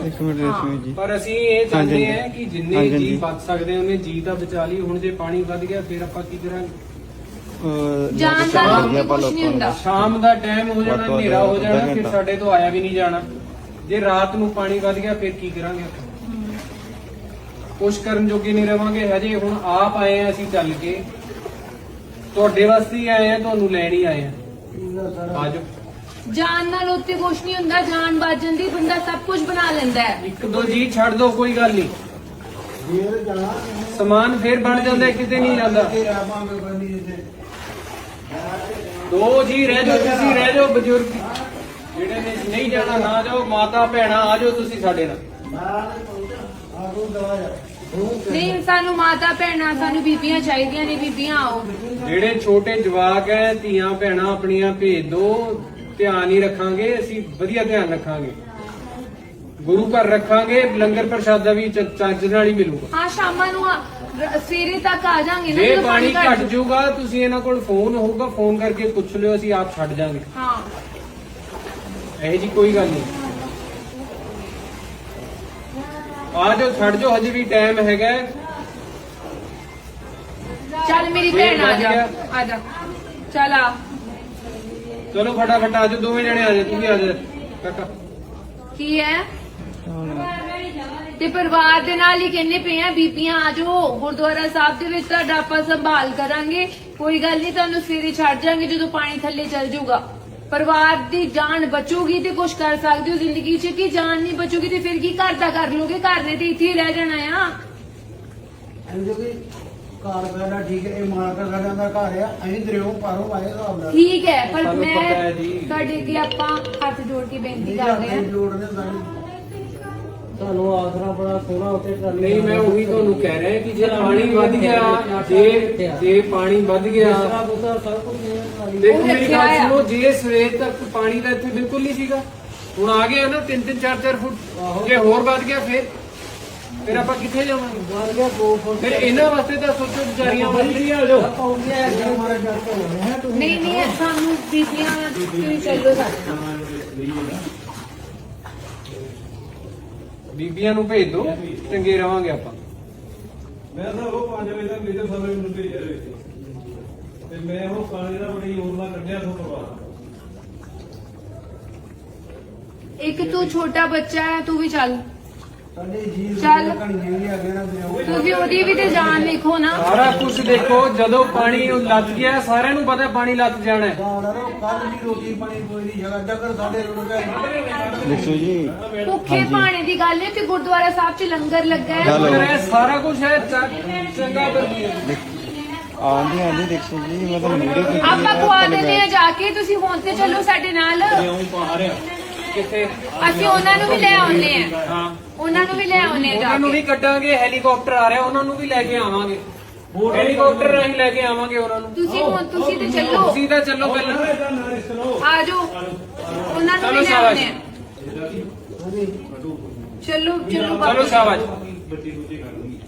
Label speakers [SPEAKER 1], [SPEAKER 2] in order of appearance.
[SPEAKER 1] ਇੱਕ ਮਿੰਟ ਰੇਸ਼ਮੀ ਜੀ।
[SPEAKER 2] ਪਰ ਅਸੀਂ ਇਹ ਚਾਹੁੰਦੇ
[SPEAKER 1] ਹਾਂਜੀ।
[SPEAKER 2] ਹਾਂ ਕਿ ਜਿੰਨੇ
[SPEAKER 1] ਹਾਂਜੀ।
[SPEAKER 2] ਜੀ ਬਚ ਸਕਦੇ ਉਹਨੇ ਜੀ ਤਾਂ ਬਚਾ ਲਈ। ਹੁਣ ਜੇ ਪਾਣੀ ਵੱਧ ਗਿਆ ਫਿਰ ਆਪਾਂ ਕੀ ਕਰਾਂਗੇ?
[SPEAKER 3] ਜਾਣ ਦਾ ਕੁਝ ਨਹੀਂ ਹੁੰਦਾ।
[SPEAKER 2] ਸ਼ਾਮ ਦਾ ਟਾਈਮ ਹੋ ਜਾਣਾ,
[SPEAKER 1] ਵੱਧ ਤੋਂ ਵੱਧ
[SPEAKER 2] ਹਨੇਰਾ ਹੋ ਜਾਣਾ,
[SPEAKER 1] ਅੱਧਾ
[SPEAKER 2] ਫਿਰ
[SPEAKER 1] ਘੰਟਾ।
[SPEAKER 2] ਸਾਡੇ ਤੋਂ ਆਇਆ ਵੀ ਨਹੀਂ ਜਾਣਾ। ਜੇ ਰਾਤ ਨੂੰ ਪਾਣੀ ਵੱਧ ਗਿਆ ਫਿਰ ਕੀ ਕਰਾਂਗੇ ਆਪਾਂ? ਕੁਛ ਕਰਨ ਜੋਗੇ ਨਹੀਂ ਰਵਾਂਗੇ। ਹਜੇ ਹੁਣ ਆਪ ਆਏ ਆ ਅਸੀਂ ਚੱਲ ਕੇ, ਤੁਹਾਡੇ ਵਾਸਤੇ ਹੀ ਆਏ ਆ, ਤੁਹਾਨੂੰ ਲੈਣ ਹੀ ਆਏ ਆ। ਆਜੋ।
[SPEAKER 3] ਜਾਨ ਨਾਲ ਉੱਤੇ ਕੁਝ ਨਹੀਂ ਹੁੰਦਾ। ਜਾਨ ਬਚ ਜਾਂਦੀ, ਬੰਦਾ ਸਭ ਕੁਝ ਬਣਾ ਲੈਂਦਾ ਹੈ।
[SPEAKER 2] ਇੱਕ ਦੋ ਜੀ ਛੱਡ ਦੋ, ਕੋਈ ਗੱਲ ਨਹੀਂ। ਸਮਾਨ ਫੇਰ ਬਣ ਜਾਂਦਾ, ਕਿਤੇ ਨਹੀਂ ਜਾਂਦਾ। ਦੋ ਜੀ ਰਹਿ ਜਾਓ, ਤੁਸੀਂ ਰਹਿ ਜਾਓ। ਬਜ਼ੁਰਗ ਜਿਹੜੇ ਨੇ ਨਹੀਂ ਜਾਣਾ ਨਾ ਜਾਓ। ਮਾਤਾ ਭੈਣਾਂ ਆ ਜਾਓ ਤੁਸੀਂ ਸਾਡੇ ਨਾਲ।
[SPEAKER 3] ਨਹੀਂ, ਸਾਨੂੰ ਮਾਤਾ ਭੈਣਾਂ, ਸਾਨੂੰ ਬੀਬੀਆਂ ਚਾਹੀਦੀਆਂ ਨੇ। ਬੀਬੀਆਂ ਆਓ।
[SPEAKER 2] ਜਿਹੜੇ ਛੋਟੇ ਜਵਾਕ ਹੈ, ਧੀਆਂ ਭੈਣਾਂ ਆਪਣੀਆਂ ਭੇਜ ਦੋ। ਧਿਆਨ ਹੀ ਰੱਖਾਂਗੇ ਅਸੀਂ, ਵਧੀਆ ਧਿਆਨ ਰੱਖਾਂਗੇ। ਗੁਰੂ ਘਰ ਰੱਖਾਂਗੇ, ਲੰਗਰ ਪ੍ਰਸ਼ਾਦਾ ਵੀ ਚੱਜ ਨਾਲ ਹੀ ਮਿਲੂਗਾ।
[SPEAKER 3] ਹਾਂ, ਸ਼ਾਮਾਂ ਨੂੰ ਸਵੇਰੇ ਤੱਕ ਆ ਜਾਾਂਗੇ ਨਾ।
[SPEAKER 2] ਜੇ
[SPEAKER 3] ਜਦੋਂ
[SPEAKER 2] ਪਾਣੀ
[SPEAKER 3] ਘੱਟ
[SPEAKER 2] ਘਟ ਜਾਊਗਾ, ਤੁਸੀਂ ਇਹਨਾਂ ਕੋਲ ਫੋਨ ਹੋਊਗਾ, ਫੋਨ ਕਰਕੇ ਪੁੱਛ ਲਿਓ, ਅਸੀਂ ਆਪ ਛੱਡ ਜਾਾਂਗੇ।
[SPEAKER 3] ਹਾਂ,
[SPEAKER 2] ਇਹ ਜੀ ਕੋਈ ਗੱਲ ਨਹੀਂ। ਆ ਜਾਓ, ਛੱਡ ਜਾਓ, ਹਜੇ ਵੀ ਟਾਈਮ ਹੈਗਾ।
[SPEAKER 3] ਚੱਲ ਮੇਰੀ ਭੈਣ ਆ ਜਾ, ਆ ਜਾ, ਚੱਲ ਆ।
[SPEAKER 2] ਚਲੋ ਫਟਾਫਟ ਆ ਜਾਓ, ਦੋਵੇਂ ਜਣੇ ਆ ਜਾਓ। ਤੂੰ ਵੀ ਆ ਜਾ ਕਾਕਾ।
[SPEAKER 3] ਕੀ ਹੈ? ਤੇ ਪਰਿਵਾਰ ਦੇ ਨਾਲ ਹੀ ਕਹਿੰਦੇ ਪਏ ਆ, ਬੀਬੀਆਂ ਆ ਜਾਓ। ਗੁਰਦੁਆਰਾ ਸਾਹਿਬ ਦੇ ਵਿੱਚ ਤੁਹਾਡਾ ਆਪਾਂ ਸੰਭਾਲ ਕਰਾਂਗੇ। ਕੋਈ ਗੱਲ ਨਹੀਂ, ਤੁਹਾਨੂੰ ਸਵੇਰੇ ਛੱਡ ਜਾਾਂਗੇ ਜਦੋਂ ਪਾਣੀ ਥੱਲੇ ਚੱਲ ਜਾਊਗਾ। ਪਰਿਵਾਰ ਦੀ ਜਾਨ ਬਚੂਗੀ ਤੇ ਕੁਝ ਕਰ ਸਕਦੇ ਹੋ ਜ਼ਿੰਦਗੀ 'ਚ। ਕਿ ਜਾਨ ਨਹੀਂ ਬਚੂਗੀ ਤੇ ਫਿਰ ਕੀ ਘਰ ਦਾ ਕਰ ਲੋਗੇ? ਘਰ ਨੇ ਤੇ ਇੱਥੇ ਹੀ ਰਹਿ ਜਾਣਾ ਆ।
[SPEAKER 4] ਘਰ ਬੈਠਾ ਠੀਕ ਹੈ। ਇਹ ਮਾਲਕਾ ਸਾਡਾ ਦਾ ਘਰ ਆ। ਅਸੀਂ ਦਰਿਓ ਪਾਰੋਂ ਆਏ ਹਿਸਾਬ ਨਾਲ।
[SPEAKER 3] ਠੀਕ ਹੈ, ਪਰ
[SPEAKER 2] ਸਾਨੂੰ
[SPEAKER 3] ਮੈਂ
[SPEAKER 2] ਪਤਾ ਹੈ ਜੀ।
[SPEAKER 3] ਤੁਹਾਡੇ ਅੱਗੇ ਆਪਾਂ ਹੱਥ ਜੋੜ ਕੇ ਬੇਨਤੀ
[SPEAKER 4] ਨਹੀਂ
[SPEAKER 3] ਕਰਦੇ ਹਾਂ।
[SPEAKER 4] ਜੋੜਨੇ ਸਾਨੂੰ।
[SPEAKER 5] ਤੁਹਾਨੂੰ ਆਸਰਾ ਬੜਾ ਸੋਹਣਾ ਉੱਤੇ ਕਰ
[SPEAKER 2] ਨਹੀਂ, ਮੈਂ ਉਹੀ ਤੁਹਾਨੂੰ ਕਹਿ ਰਿਹਾ ਕਿ ਜੇ ਪਾਣੀ ਵੱਧ ਗਿਆ, ਜੇ ਪਾਣੀ ਵੱਧ ਗਿਆ,
[SPEAKER 5] ਸਭ ਕੁਝ
[SPEAKER 2] ਦੇਖੋ ਮੇਰੀ ਗੱਲ ਸੁਣੋ। ਜੇ ਸਵੇਰ ਤੱਕ ਪਾਣੀ ਦਾ ਇੱਥੇ ਬਿਲਕੁਲ ਨਹੀਂ ਸੀਗਾ, ਹੁਣ ਆ ਗਿਆ ਨਾ 3-3 4-4 ਫੁੱਟ। ਜੇ ਹੋਰ ਵੱਧ ਗਿਆ ਫਿਰ ਆਪਾਂ ਕਿੱਥੇ ਜਾਵਾਂਗੇ?
[SPEAKER 5] ਬਣ ਗਿਆ 2 ਫੁੱਟ।
[SPEAKER 2] ਫਿਰ ਇਹਨਾਂ ਵਾਸਤੇ ਤਾਂ ਸੋਚੋ, ਵਿਚਾਰੀਆਂ ਵਾਸਤੇ ਆ ਜਾਓ।
[SPEAKER 3] ਨਹੀਂ ਨਹੀਂ, ਸਾਨੂੰ ਬੀਬੀਆਂ ਤੁਸੀਂ ਚੱਲੋ ਸਾਡੇ ਨਾਲ।
[SPEAKER 2] ਬੀਬੀਆਂ ਨੂੰ ਭੇਜ ਦਿਓ, ਚੰਗੇ ਰਵਾਂਗੇ ਆਪਾਂ।
[SPEAKER 6] ਮੈਂ ਤਾਂ ਉਹ 5 ਵਜੇ ਤੱਕ ਮੇਰੇ ਸਾਰੇ ਨੂੰ ਭੇਜਿਆ ਹੋਇਆ ਸੀ ਤੇ ਮੈਂ ਉਹ ਪਾਣੀ ਦਾ ਬੜੀ ਯੋਜਨਾ ਕੱਢਿਆ ਤੋਂ ਬਾਅਦ।
[SPEAKER 3] ਇੱਕ ਤੂੰ ਛੋਟਾ ਬੱਚਾ ਹੈ, ਤੂੰ ਵੀ ਚੱਲ।
[SPEAKER 4] ਸਾਡੇ ਜੀ
[SPEAKER 3] ਚੱਲ।
[SPEAKER 4] ਕਣੀਆਂ ਵੀ ਆ ਗਏ ਨਾ ਦਰਿਓ।
[SPEAKER 3] ਤੁਸੀਂ ਉਹਦੀ ਵੀ ਤੇ ਜਾਨ ਲਿਖੋ ਨਾ।
[SPEAKER 2] ਸਾਰਾ ਕੁਝ ਦੇਖੋ, ਜਦੋਂ ਪਾਣੀ ਲੱਗ ਗਿਆ ਸਾਰਿਆਂ ਨੂੰ ਪਤਾ ਪਾਣੀ ਲੱਗ ਜਾਣਾ ਹੈ।
[SPEAKER 4] ਕੱਲ ਦੀ ਰੋਟੀ ਪਾਣੀ ਕੋਈ ਨਹੀਂ ਜਗ੍ਹਾ ਜਗਰ ਸਾਡੇ ਰੁੜ ਗਏ।
[SPEAKER 1] ਦੇਖੋ ਜੀ।
[SPEAKER 3] ਭੁੱਖੇ ਪਾਣੀ ਦੀ ਗੱਲ ਹੈ ਤੇ ਗੁਰਦੁਆਰਾ ਸਾਹਿਬ 'ਚ ਲੰਗਰ ਲੱਗਾ ਹੈ।
[SPEAKER 1] ਚਲੋ।
[SPEAKER 2] ਇਹ ਸਾਰਾ ਕੁਝ ਹੈ ਚੰਗਾ ਬਰਦੀ
[SPEAKER 1] ਆਂਦੀ ਆਂਦੀ ਦੇਖੋ ਜੀ, ਮੈਂ ਤਾਂ ਵੀਡੀਓ ਕੀਤੀ
[SPEAKER 3] ਆਪਾਂ ਖਵਾ ਦਿੰਦੇ ਆ ਜਾ ਕੇ। ਤੁਸੀਂ ਹੁਣ ਤੇ ਚੱਲੋ ਸਾਡੇ ਨਾਲ।
[SPEAKER 2] ਕਿੱਥੇ?
[SPEAKER 3] ਅਸੀਂ ਉਹਨਾਂ ਨੂੰ ਵੀ ਲੈ ਆਉਨੇ ਆ।
[SPEAKER 2] ਹਾਂ,
[SPEAKER 3] ਉਹਨਾਂ ਨੂੰ ਵੀ ਲੈ ਆਉਨੇ ਆ ਜਾ
[SPEAKER 2] ਉਹਨਾਂ ਨੂੰ
[SPEAKER 3] ਕੇ।
[SPEAKER 2] ਵੀ ਕੱਢਾਂਗੇ। ਹੈਲੀਕਾਪਟਰ ਆ ਰਿਹਾ, ਉਹਨਾਂ ਨੂੰ ਵੀ ਲੈ ਕੇ ਆਵਾਂਗੇ। ਹੈਲੀਕਾਪਟਰ ਰਾਹੀਂ ਲੈ ਕੇ ਆਵਾਂਗੇ ਉਹਨਾਂ ਨੂੰ।
[SPEAKER 3] ਤੁਸੀਂ ਤੇ ਚੱਲੋ,
[SPEAKER 2] ਤੁਸੀਂ ਤਾਂ ਚੱਲੋ ਪਹਿਲਾਂ।
[SPEAKER 3] ਆ ਜਾਓ। ਉਹਨਾਂ ਨੂੰ
[SPEAKER 2] ਚਲੋ
[SPEAKER 3] ਵੀ ਲੈ
[SPEAKER 2] ਸ਼ਾਬਾਸ਼।
[SPEAKER 3] ਆਉਨੇ ਆ। ਚਲੋ ਚਲੋ
[SPEAKER 2] ਚਲੋ
[SPEAKER 3] ਬਾਬਾ।
[SPEAKER 2] ਸ਼ਾਬਾਸ਼।